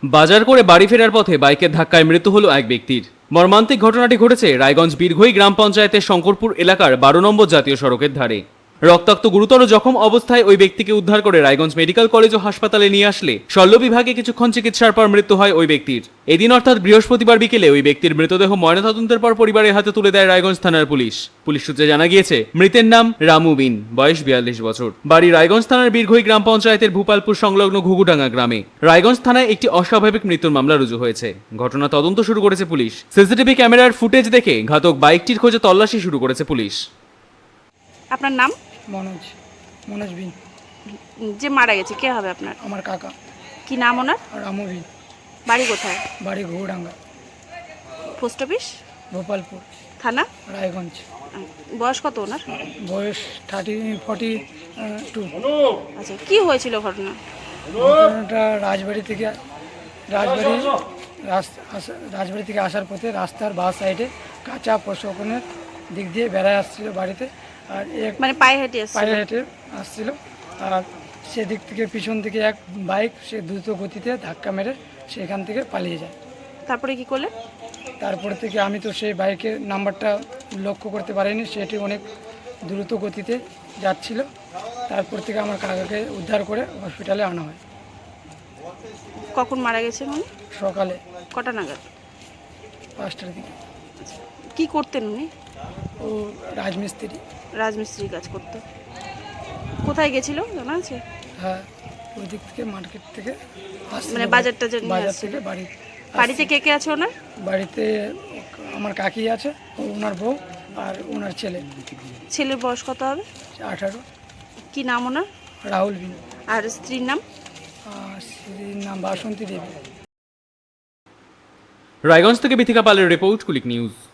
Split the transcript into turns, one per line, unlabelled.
বাজার করে বাড়ি ফেরার পথে বাইকের ধাক্কায় মৃত্যু হলো এক ব্যক্তির। মর্মান্তিক ঘটনাটি ঘটেছে রায়গঞ্জ বীরঘই গ্রাম পঞ্চায়েতের শঙ্করপুর এলাকার 12 নম্বর জাতীয় সড়কের ধারে। রক্তাক্ত গুরুতর জখম অবস্থায় ওই ব্যক্তিকে উদ্ধার করে রায়গঞ্জ মেডিকেল কলেজ ও হাসপাতালে নিয়ে আসলে শল্য বিভাগে কিছুক্ষণ চিকিৎসার পর মৃত্যু হয় ওই ব্যক্তির। এদিন অর্থাৎ বৃহস্পতিবার বিকেলে ওই ব্যক্তির মৃতদেহ ময়নাতদন্তের পর পরিবারের হাতে তুলে দেয় রায়গঞ্জ থানার পুলিশ। পুলিশ সূত্রে জানা গিয়েছে, মৃতের নাম রামু বিন, বয়স 42 বছর, বাড়ি রায়গঞ্জ থানার বীরঘই গ্রাম পঞ্চায়েতের ভূপালপুর সংলগ্ন ঘুঘুডাঙ্গা গ্রামে। রায়গঞ্জ থানায় একটি অস্বাভাবিক মৃত্যুর মামলা রুজু হয়েছে। ঘটনা তদন্ত শুরু করেছে পুলিশ। সিসিটিভি ক্যামেরার ফুটেজ দেখে ঘাতক বাইকটির খোঁজে তল্লাশি শুরু করেছে পুলিশ।
আপনার নাম?
মনোজ বিন।
যে মারা গেছে কে হবে আপনার?
আমার কাকা।
কি নাম ওনার?
রামু বিন।
বাড়ি কোথায়?
বাড়ি ঘুঘুডাঙ্গা।
Post office?
ভোপালপুর
থানা?
রায়গঞ্জ।
বয়স কত ওনার?
বয়স 42।
আচ্ছা, কি হয়েছিল ঘটনা?
ঘটনাটা রাজবাড়ি থেকে আসার পথে রাস্তার বাঁ সাইডে কাঁচা প্রশোকনের দিক দিয়ে বেড়ায় আসছিল বাড়িতে। আর
মানে পায়ে হেঁটে
আসছিল। আর সেদিক থেকে পিছন থেকে এক বাইক সে দ্রুত গতিতে ধাক্কা মেরে সেখান থেকে পালিয়ে যায়।
তারপরে কি করলেন?
তারপরে থেকে আমি তো সেই বাইকের নাম্বারটা লক্ষ্য করতে পারিনি, সেটি অনেক দ্রুত গতিতে যাচ্ছিল। তারপর থেকে আমার কাকাকে উদ্ধার করে হসপিটালে আনা হয়।
কখন মারা গেছে উনি?
সকালে
কটা নাগাদ?
5টার দিকে।
কি করতেন উনি?
ও রাজমিস্ত্রি।
রাজমিস্ত্রি কাজ করতো। কোথায় গেছিল জানা আছে?
হ্যাঁ, ওই দিক থেকে মার্কেট থেকে
মানে বাজারটা
বাজার থেকে
বাড়িতে কে কে আছে ওনার?
বাড়িতে আমার কাকি আছে, ওনার বউ আর ওনার ছেলে।
ছেলের বয়স কত হবে?
18।
কি নাম ওনার?
রাহুল বিন।
আর স্ত্রীর নাম?
স্ত্রীর নাম বাসন্তী দেবী।
রায়গঞ্জ থেকে বিথিকা পালের রিপোর্ট, কুলিক নিউজ।